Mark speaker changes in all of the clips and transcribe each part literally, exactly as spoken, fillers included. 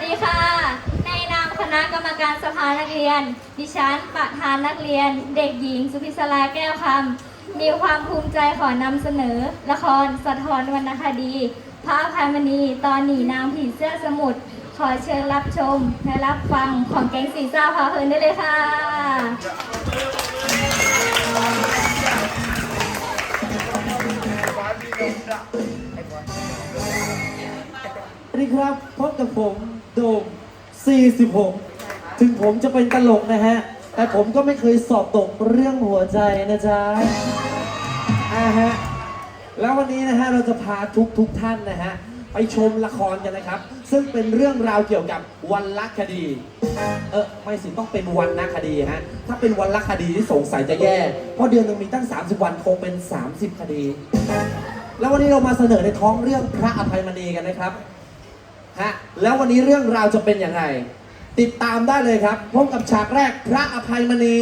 Speaker 1: ดีค่ะในนามคณะกรรมการสภานักเรียนดิฉันประธานนักเรียนเด็กหญิงสุพิศราแก้วคำมีความภูมิใจขอนำเสนอละครสะท้อนวรรณคดีพระอภัยมณีตอนหนีนางผีเสื้อสมุทรขอเชิญรับชมและรับฟังของแก๊งสีซ่าพาเพลินได้เลยค่ะ
Speaker 2: สวัสดีครับพบกับผมโดมสี่สิบหกถึงผมจะเป็นตลกนะฮะแต่ผมก็ไม่เคยสอบตกเรื่องหัวใจนะจ๊ะอ่าฮะแล้ววันนี้นะฮะเราจะพาทุกทุกท่านนะฮะไปชมละครกันนะครับซึ่งเป็นเรื่องราวเกี่ยวกับวรรณคดีเออไม่สิต้องเป็นวรรณคดีฮะถ้าเป็นวรรณคดีที่สงสัยจะแย่เพราะเดือนนึงมีตั้งสามสิบวันคงเป็นสามสิบคดีแล้ววันนี้เรามาเสนอในท้องเรื่องพระอภัยมณีกันนะครับฮะแล้ววันนี้เรื่องราวจะเป็นยังไงติดตามได้เลยครับพบกับฉากแรกพระอภัยมณี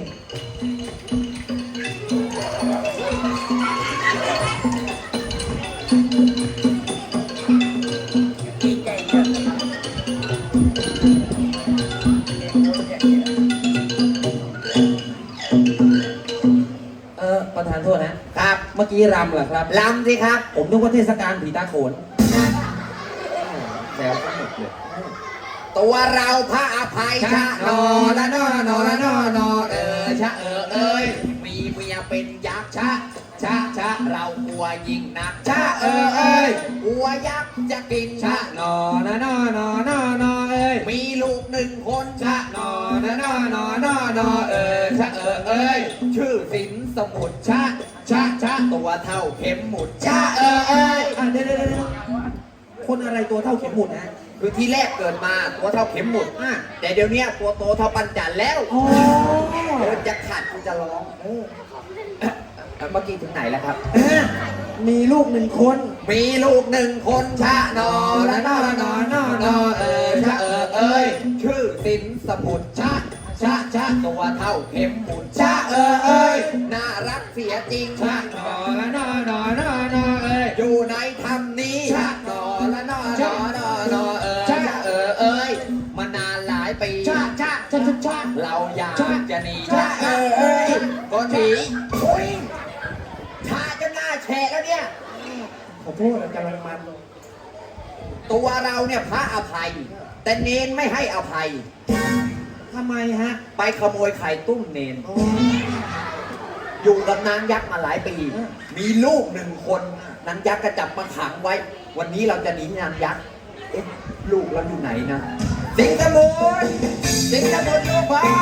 Speaker 2: เออประธานโทษนะครับเมื่อกี้รำเหรอครับรำสิครับผมนึกว่าเทศกาลผีตาโขนแซวสนุกเลย
Speaker 3: ตัวเราพระอภัยชะนอละนอนอละนอนอเออชะเออเอ้ยมีเมียเป็นยักษ์ชะชะชะเรากลัวยิ่งนักชะเออเอ้ยกลัวยักษ์จะกินชะนอละนอนอละนอนอเอ้ยมีลูกหนึ่งคนชะนอละนอนอละนอนอเออชะเออเอ้ยชื่อสินสมุทรชะชะชะตัวเท่าเข็มหมุดชะเออเอ้ย
Speaker 2: อ่ะเดี๋ยวเดี๋ยวคนอะไรตัวเท่าเข็มหมุดนะ
Speaker 3: คือที่แรกเกิดมาตัวเท่าเข็มหมุดแต่เดี๋ยวนี้ตัวโตเท่าปันจันแล้วเดินจะขัดกูจะร้องเออเมื่อกี้ถึงไหนแล้วครับ
Speaker 2: มีลูกหนึ่งคน
Speaker 3: มีลูกหนึ่งคนชะนอละนอละนอนอนอเออชะเออเอ้ยชื่อสินสมุทรชะชะชะตัวเท่าเข็มหมุดชะเออเอ้ยน่ารักเสียจริงชะนอละนอนอนอนอเอ้ยอยู่ในธรรมนี้ชะนอละนอนอนอนอเออชะเออเอ้ยมานานหลายปีชะชะชะชะเราอยากจะหนีชะเออเอ้ยก็หนีอุ้ยชาจะหน้าแฉะแล้วเนี่ย
Speaker 2: ขอโทษกำลังมัน
Speaker 3: ตัวเราเนี่ยพระอภัยแต่เนนไม่ให้อภัย
Speaker 2: ทำไมฮะ
Speaker 3: ไปขโมยไข่ตุ้มเนนอยู่กับนางยักษ์มาหลายปีมีลูกหนึ่งคนนางยักษ์ก็จับมาขังไว้วันนี้เราจะหนีนางยักษ์เอ๊ะลูกเราอยู่ไหนนะสิงห์สมุทรสิงห์สมุทรลูกพ่อ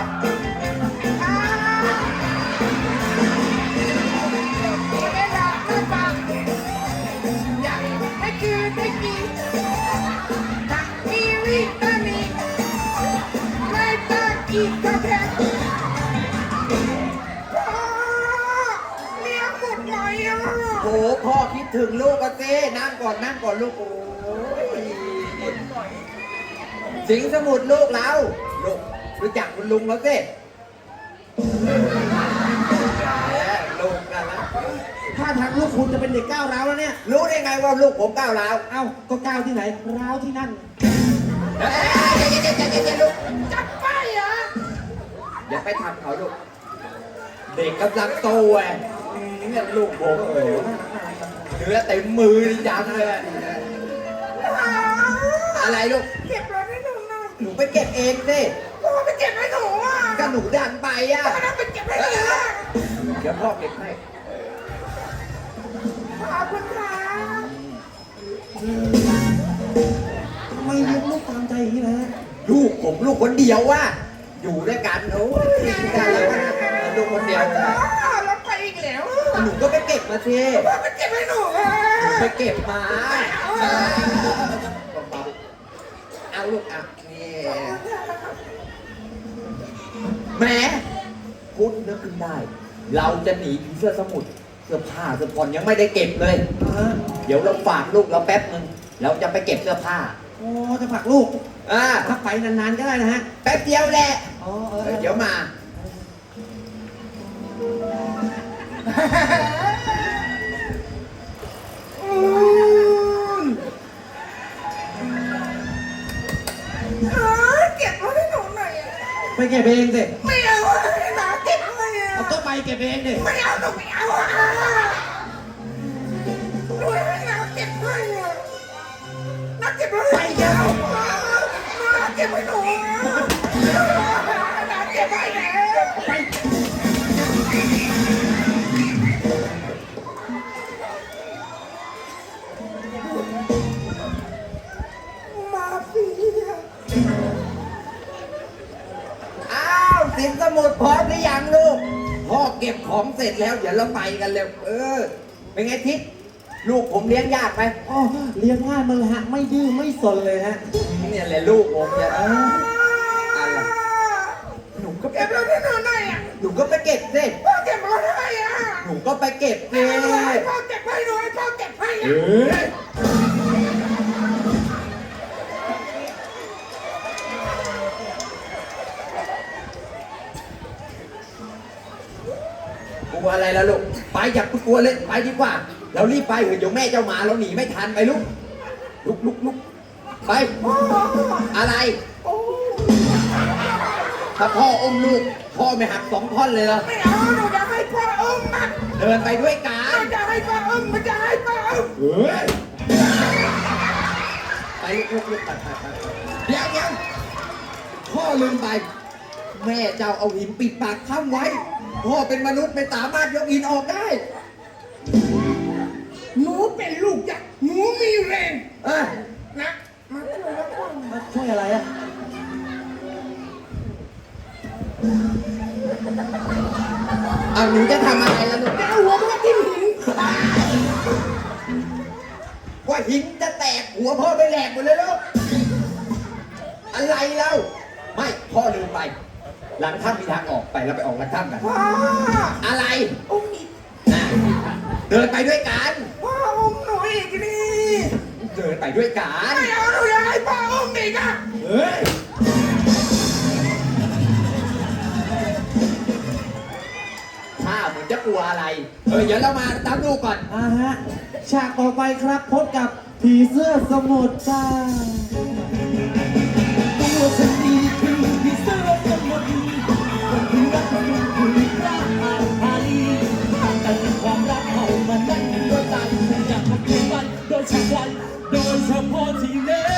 Speaker 4: อีกกระแพงพ่อเลี้ยงหมดเลยอ่ะ
Speaker 3: โหพ่อคิดถึงลูกกันสินั่งก่อนนั่งก่อนลูกโอ้ยสิงห์สมุทรลูกเราลูกรู้จักคุณลุงแล้วสิลูกกันแล้ว
Speaker 2: ถ้าทางลูกคุณจะเป็นเด็กก้าวร้าวแล้วเนี่ย
Speaker 3: รู้ได้ไงว่าลูกผมก้าวร้าว
Speaker 2: เอ้าก็ก้าวที่ไหนร้าวที่นั่น
Speaker 3: เฮ้ยลูก
Speaker 4: จับไปเหรอ
Speaker 3: อย่าไปทำเขาลูกเด็กกำลังโตไงเนี่ยลูกผมโอ้เนื้อเต็มมือจังเลยอะไรลูก
Speaker 4: เก็บรถให้หนูหน่อย
Speaker 3: หนูไปเก็บเองสิ
Speaker 4: พ่อไปเก็บให้หนูอ่ะ
Speaker 3: ก็หนูดันไปอ่ะ
Speaker 4: พ่อต้องไปเก็บให้หนู
Speaker 3: เดี๋ยวพ่อเก็บให้
Speaker 4: ขอบคุณค่ะ
Speaker 2: ทำไมเลี้ยงลูกตามใจอย่างนี้นะ
Speaker 3: ลูกผมลูกคนเดียวว่ะอยู่ด้วยกันโอ้ยกันแล้วลูกคนเดียว
Speaker 4: แล้วไปอีกแล้ว
Speaker 3: หนูก็ไปเก็บมาสิ
Speaker 4: พ่อไปเก็บให้หนูอ่ะ
Speaker 3: หนูไปเก็บมาเอาลูกอ่ะนี่แหมคุณนึกขึ้นได้เราจะหนีผีเสื้อสมุทรเสื้อผ้าเสื้อผ่อนยังไม่ได้เก็บเลยเดี๋ยวเราฝากลูกเราแป๊บนึงเราจะไปเก็บเสื้อผ้า
Speaker 2: โอ้จะฝากลูก
Speaker 3: อ่า
Speaker 2: ถ้าไปนานๆก็ได้นะฮะ
Speaker 3: แป๊บเดียวแหละ
Speaker 2: อ๋อ
Speaker 3: เดี๋ยวมา
Speaker 4: เออเก็บไว้ให้หนูหน่อยอะ
Speaker 2: ไปเก็บเองสิ
Speaker 4: ไม่เอาอะให้หนาเก็บให้อะ
Speaker 3: เอาก็ไปเก็บเองดิ
Speaker 4: ไม่เอาหนูไม่เอาอะหนูให้หนาเก็บให้อะหนาเก็บไว้ให้หนูหนาเก็บให้หนูหนาเก็บให้แล้วไปมาสิอะ
Speaker 3: อ้าวสินสมุดพร้อมหรือยังลูกพ่อเก็บของเสร็จแล้วเดี๋ยวเราไปกันเร็วเออเป็นไงทิศลูกผมเลี้ยงยากไหม
Speaker 2: อ๋อเลี้ยงง่ายมันฮะไม่ดื้อไม่สนเลยฮะ
Speaker 3: เนี่ยแหละลูกผมเนี่ยเอออะไรหนูก็ไป
Speaker 4: เก็บแล้วที่หนูหน่อยอะ
Speaker 3: หนูก็ไปเก็บสิ
Speaker 4: พ่อเก็บมาให้อะ
Speaker 3: หนูก็ไปเก็บสิ
Speaker 4: ให้พ่อเก็บให้หนูให้พ่อเก็บให้อะ
Speaker 3: กลัวอะไรล่ะลูกไปอย่ากลัวเลยไปดีกว่า เรารีบไปเถอะเดี๋ยวแม่เจ้ามาเราหนีไม่ทันไปลูกลุกลุกลุกไปอะไร
Speaker 4: โอ้
Speaker 3: ถ้าพ่ออมลูกพ่อไม่หักสองท่อนเลยเหรอ
Speaker 4: ไม่เอาหนูจะให้พ่ออุ้มอ่ะ
Speaker 3: เดินไปด้วยกั
Speaker 4: หนู
Speaker 3: น
Speaker 4: จะให้พ่ออุ้มมันจะให้พ่ออุ้ม
Speaker 3: เฮ้ยไปลุกลุกลุกไปไปไปเดี๋ยวเดี๋ยวพ่อลืมไป แม่เจ้าเอาหินปิดปากถ้ำไว้ พ่อเป็นมนุษย์ไม่สามารถยกหินออกได้
Speaker 4: หนูเป็นลูกยักษ์หนูมีแรง
Speaker 3: เออ
Speaker 4: นะมาช่วยแล้วพ่อ
Speaker 2: มาช่วยอะไรอะ
Speaker 3: เอาหนูจะทำอะไรล่ะลูก
Speaker 4: จะเอาหัวพ่อที่หิน
Speaker 3: ว่าหินจะแตกหัวพ่อไปแหลกหมดเลยลูกอะไรเล่าไม่พ่อลืมไป หลังถ้ำมีทางออกไปเราไปออกหลังถ้ำกัน
Speaker 4: พ่อ
Speaker 3: อะไร
Speaker 4: อุ้มอีก
Speaker 3: น่ะเดินไปด้วยกัน
Speaker 4: พ่ออุ้มหนูอีกนี่
Speaker 3: เดินไปด้วยกัน
Speaker 4: ไม่เอาหนูจะให้พ่ออุ้มอีกอ่ะ
Speaker 3: เฮ้ยถ้าเหมือนจะกลัวอะไรเออเดี๋ยวเรามาตามดูก่อน
Speaker 2: อ่าฮะฉากต่อไปครับพบกับผีเสื้อสมุทรจ้าตัวฉันดีคือผีเสื้อสมุทรคนที่รักมันคือรักอาภัยแต่ความรักเขามันไม่มีตัวตายฉันอยากมาเปลี่ยนไปโดยเฉพาะโดยเฉพาะที่เล่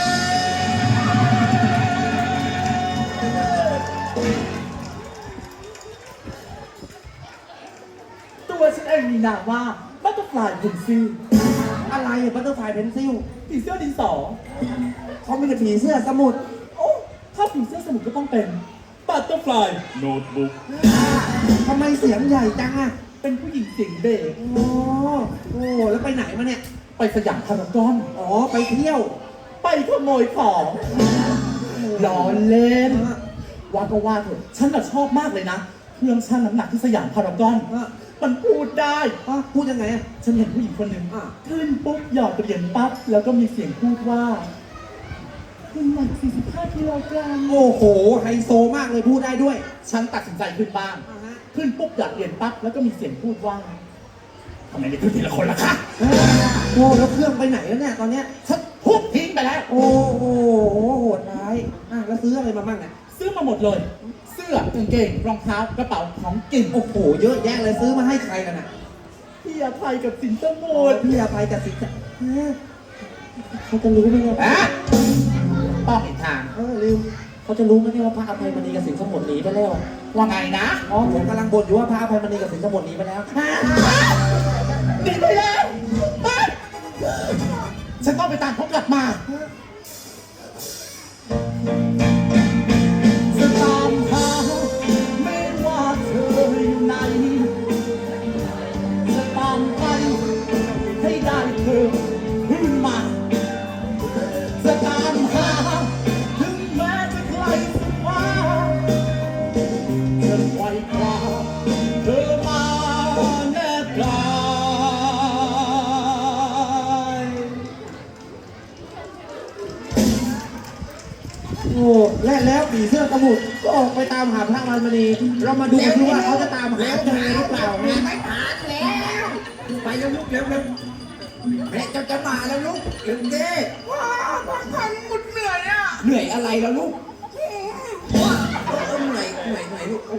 Speaker 2: ตัวฉันเองมีนามว่าบัตเตอร์ฟลายเพนซิลอะไรอะบัตเตอร์ฟลายเพนซิลผีเสื้อดินสอเขาไม่ใช่ผีเสื้อสมุทรโอ้ถ้าผีเสื้อสมุทรก็ต้องเป็นบัตเตอร์ฟลายโน้ตบุ๊กทำไมเสียงใหญ่จังอะเป็นผู้หญิงเสียงเบสโอ้โอ้แล้วไปไหนมาเนี่ยไปสยามพารากอนอ๋อไปเที่ยว ไปขโมยของล้อเล่นว่าก็ว่าเถอะฉันน่ะชอบมากเลยนะเครื่องชั่งน้ำหนักที่สยามพารากอนมันพูดได้พูดยังไงอะฉันเห็นผู้หญิงคนหนึ่งขึ้นปุ๊บหยอดเหรียญปั๊บแล้วก็มีเสียงพูดว่าคุณหนักสี่สิบห้ากิโลกรัมโอ้โหไฮโซมากเลยพูดได้ด้วย ฉันตัดสินใจขึ้นบ้างขึ้นปุ๊บหยอดเหรียญปั๊บแล้วก็มีเสียงพูดว่าทำไมไม่ขึ้นทีละคนล่ะคะโอ้แล้วเครื่องไปไหนแล้วเนี่ยตอนเนี้ยฉันทุบทิ้งไปแล้วโอ้โหโหดร้ายอ่ะแล้วซื้ออะไรมาบ้างเนี่ยซื้อมาหมดเลยเสื้อกางเกงรองเท้ากระเป๋าของกินโอ้โหเยอะแยะเลยซื้อมาให้ใครกันน่ะพี่อภัยกับสินสมุทรพี่อภัยกับสินสมุทรเขาจะรู้ไหมเนี่ย
Speaker 3: อะต้องอีกทาง
Speaker 2: เออลืมเขาจะรู้ไหมเนี่ยว่าพระอภัยมณีกับสินสมุทรหนีไปแล้ว
Speaker 3: ว่าไงนะ
Speaker 2: อ๋อผมกำลังบ่นอยู่ว่าพระอภัยมณีกับสินสมุทรหนีไปแล้ว
Speaker 3: หนีไปแล้วไปฉันต้องไปตามเขากลับมา
Speaker 2: จะตามหาไม่ว่าเธออยู่ไหนจะตามไปให้ได้เธอขึ้นมาจะตามหาถึงแม้จะไกลสุดฟ้าจะไขว่คว้าเธอมาแนบกายโอ้และแล้วผีเสื้อสมุทรก็ออกไปตามหาพระอภัยมณีเรามาดูกันว่าเขาจะตามหาเจอหรือเปล่านะ
Speaker 3: ไม่ผ่านแล้ว ไปเร็วลูกเร็วเร็วแม่เจ้าจะมาแล้วลูกเร็วเด้
Speaker 4: พ่อพ่อทำหมดเหนื่อยอ่ะ
Speaker 3: เหนื่อยอะไรล่ะลูกเออเหนื่อยเหนื่อยเหนื่อยลูก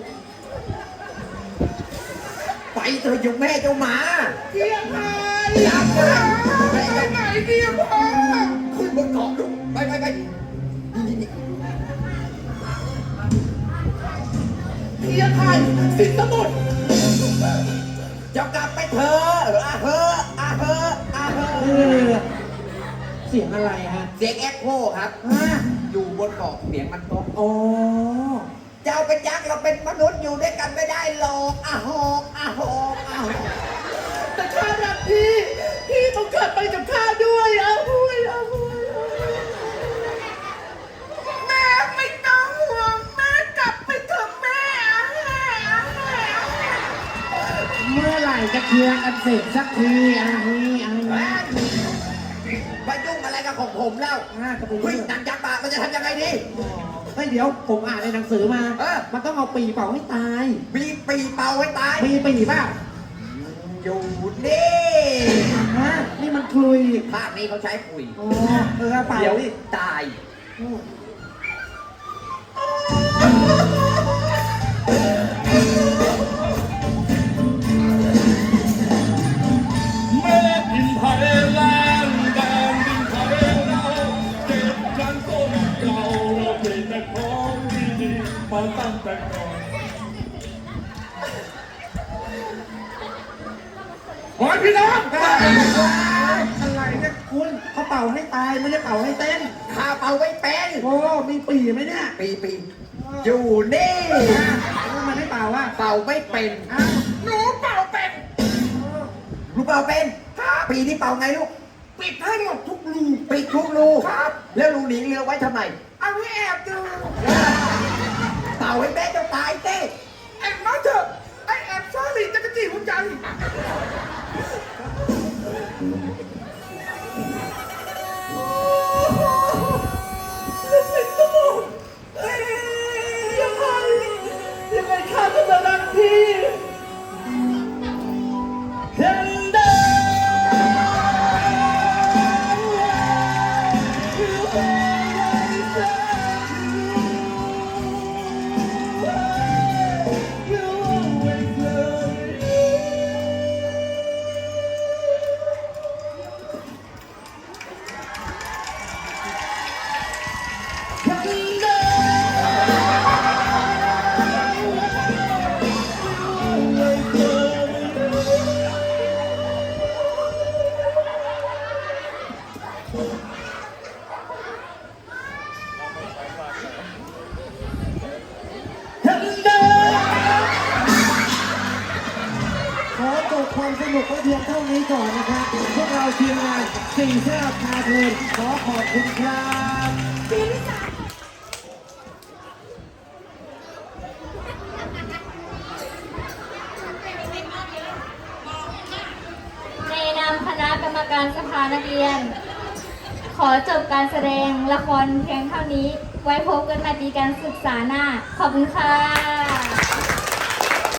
Speaker 3: ไปเถอะเจ้าแม่เจ้าหมา
Speaker 4: เกียร์ไทย
Speaker 3: รักนะไป
Speaker 4: ไป
Speaker 3: ไป
Speaker 4: ไหนเกียร์พ่อ
Speaker 3: ขึ้นบนเกาะลูกไปไปไปนี่นี่
Speaker 4: เกียร์ไทยสินสมุทร
Speaker 3: เจ้ากลับไปเถอะอาเฮอะอาเฮอะอาเฮ
Speaker 2: เอ
Speaker 3: อะ
Speaker 2: อเสียงอะไรฮะ
Speaker 3: เสียงแอคโคครับ
Speaker 2: ฮะ
Speaker 3: อยู่บนเกาะเสียงมันตก
Speaker 2: อ๋อ
Speaker 3: เจ้าเป็นยักษ์เราเป็นมนุษย์อยู่ด้วยกันไม่ได้หรอกอาหอกอาหอกอาหอก
Speaker 4: แต่ข้ารักพี่ พี่ต้องกลับไปกับข้าด้วยอาหุยอาหุยแม่ไม่ต้องห่วงแม่กลับไปเถอะแม่อาแม่อาแม่อาแม่
Speaker 2: เมื่อไหร่จะเคลียร์กันเสร็จสักทีอันนี้อันนี้
Speaker 3: ไปยุ่งอะไรกับของผมแล้ว
Speaker 2: อ่ากระปุก
Speaker 3: เฮ้ยนางยักษ์บามันจะทำยังไงดี
Speaker 2: เฮ้ยเดี๋ยวผมอ่านในหนังสือมา
Speaker 3: เออ
Speaker 2: มันต้องเอาปีเป่าให้ตาย
Speaker 3: มีปีเป่าให้ตาย
Speaker 2: มีปีเปล่า
Speaker 3: อยู่นี่
Speaker 2: ฮะนี่มันคลุย
Speaker 3: ภาคนี้เขาใช้คุย
Speaker 2: อ๋อเออเป่า
Speaker 3: เดี๋ยว
Speaker 2: ดิ
Speaker 3: ตาย
Speaker 5: เมื่อดินไทยแลนด์แดนดินไทยเราเก็บกันต้นเก่าเราเก็บแต่ของดีๆมาตั้งแต่ก่อนขอให้พี่น้อง
Speaker 2: อะไรเนี่ยคุณเขาเป่าให้ตายไม่ได้เป่าให้เต้น
Speaker 3: ข้าเป่าไม่เป็น
Speaker 2: โอ้มีปีไหมเนี่ย
Speaker 3: ปีปีอยู่นี่
Speaker 2: แล้วมันไม่เป่าอ่ะ
Speaker 3: เป่าไม่เป็น
Speaker 2: อ้าว
Speaker 4: หนูเป่าเป็ด
Speaker 3: ลูกเป่าเป็นปีนี้เป่าไงลูก
Speaker 4: ปิดให้หมดทุกรู
Speaker 3: ปิดทุกรู
Speaker 4: ครับ
Speaker 3: แล้วรูหนีเรือไว้ทำไม
Speaker 4: เอาให้แอบดู
Speaker 3: เป่าให้แม่เจะตายเต้
Speaker 4: แอบมาเถอะไอแอบซ่าหลีจะกระจีหัวใจ ยังไงยังไงข้าก็จะรักพี่เห็นเด้
Speaker 2: ขอจบความสนุกไว้เพียงเท่านี้ก่อนนะครับ พวกเราทีมงานสี่แซ่บพาเพลินขอขอบคุณครับ
Speaker 1: ในนามคณะกรรมการสภานักเรียน ขอจบการแสดงละครเพียงเท่านี้ ไว้พบกันใหม่ปีการศึกษาหน้า ขอบคุณค่ะ